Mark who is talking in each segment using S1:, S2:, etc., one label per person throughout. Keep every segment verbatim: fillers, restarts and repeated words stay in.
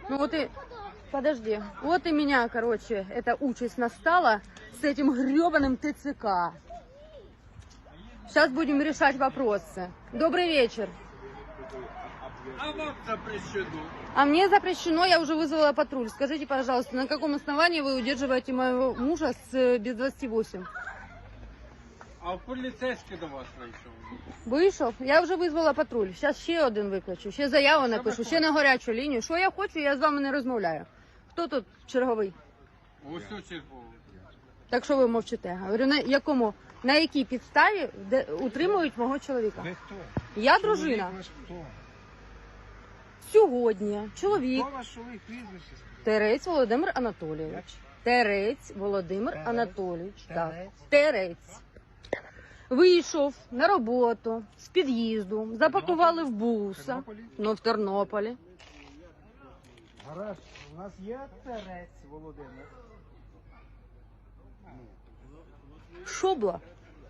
S1: Ну вот и... Подожди. Вот и меня, короче, эта участь настала с этим гребаным ТЦК. Сейчас будем решать вопросы. Добрый вечер.
S2: А вам запрещено.
S1: А мне запрещено, я уже вызвала патруль. Скажите, пожалуйста, на каком основании вы удерживаете моего мужа с без двадцати восьми?
S2: А поліцейський до вас вийшов.
S1: Вийшов? Я вже визвала патруль. Зараз ще один викличу, ще заяву напишу, ще на гарячу лінію. Що я хочу, я з вами не розмовляю. Хто тут черговий?
S2: Ось у черговий.
S1: Так що ви мовчите? Говорю, на якому, на якій підставі де, утримують мого чоловіка?
S3: Ви хто?
S1: Я дружина.
S3: Чоловік ваш хто?
S1: Сьогодні чоловік
S3: Хто ваш чоловік прізвище?
S1: Терець Володимир Анатолійович.
S3: Як?
S1: Терець Володимир
S3: Терець?
S1: Анатолійович. Так.
S3: Терець?
S1: Терець. Вийшов на роботу з під'їзду, запакували в буса.
S3: Тернополі?
S1: Ну, в Тернополі.
S3: Гаразд, у нас є Терець Володимир.
S1: Шобла.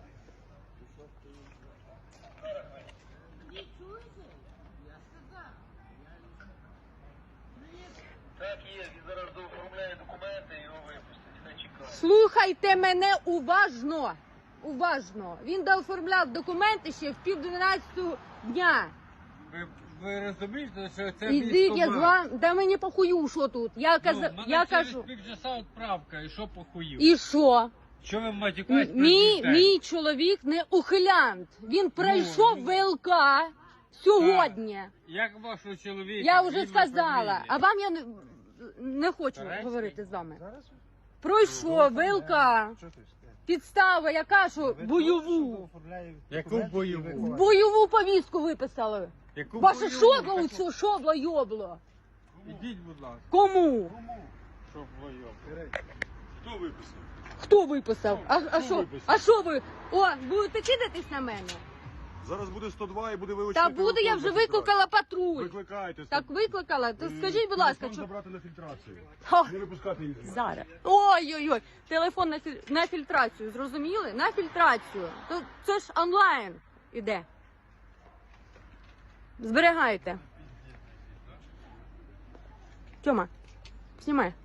S2: Так є, він зараз дооформляє документи і його випустять. Не чекає.
S1: Слухайте мене уважно. Уважно. Він дооформляв документи ще в пів дванадцятого дня.
S2: Ви, ви розумієте, що це
S1: Ідіть, я з вами. Да мені похую, що тут. Я, каза...
S2: Ну,
S1: я
S2: через
S1: кажу.
S2: півчаса відправка, і що похуїв?
S1: І що?
S2: Що ви
S1: М-
S2: матюкаєте?
S1: Мій, мій чоловік не ухилянт. Він пройшов
S2: ну.
S1: ВЛК сьогодні.
S2: Як вашого чоловіка?
S1: Я вже
S2: ім'я,
S1: сказала.
S2: фамілія?
S1: А вам я не, не хочу
S2: Тарасів?
S1: говорити з вами.
S3: Зараз?
S1: Пройшов ВЛК.
S3: Що ти ж?
S1: Підстава, яка що
S3: Ви хто, що
S1: бойову.
S3: оформляє
S2: Яку
S3: документи і
S2: бойову?
S3: виконує?
S1: Бойову повістку виписали.
S2: Яку
S1: Ваше
S2: бойову?
S1: шобло
S2: Так,
S1: у цього шобло йобло.
S2: Ідіть, будь ласка,
S1: Кому?
S2: щоб воював.
S3: Терець.
S2: Хто виписав?
S1: Хто виписав? А, а
S2: Хто
S1: що?
S2: виписав?
S1: А що ви? О, будете кидатись на мене?
S4: Зараз буде сто два і буде вилучено.
S1: Та буде, я вже викликала патруль.
S4: Викликайте.
S1: Так викликала? То
S4: Е,
S1: скажіть, будь ласка,
S4: телефон
S1: що...
S4: забрати на фільтрацію.
S1: Ха,
S4: Не випускати їх.
S1: зараз. Ой-ой-ой, телефон на, філь... на фільтрацію, зрозуміли? На фільтрацію. То це ж онлайн іде. Зберігайте. Тьома, знімай.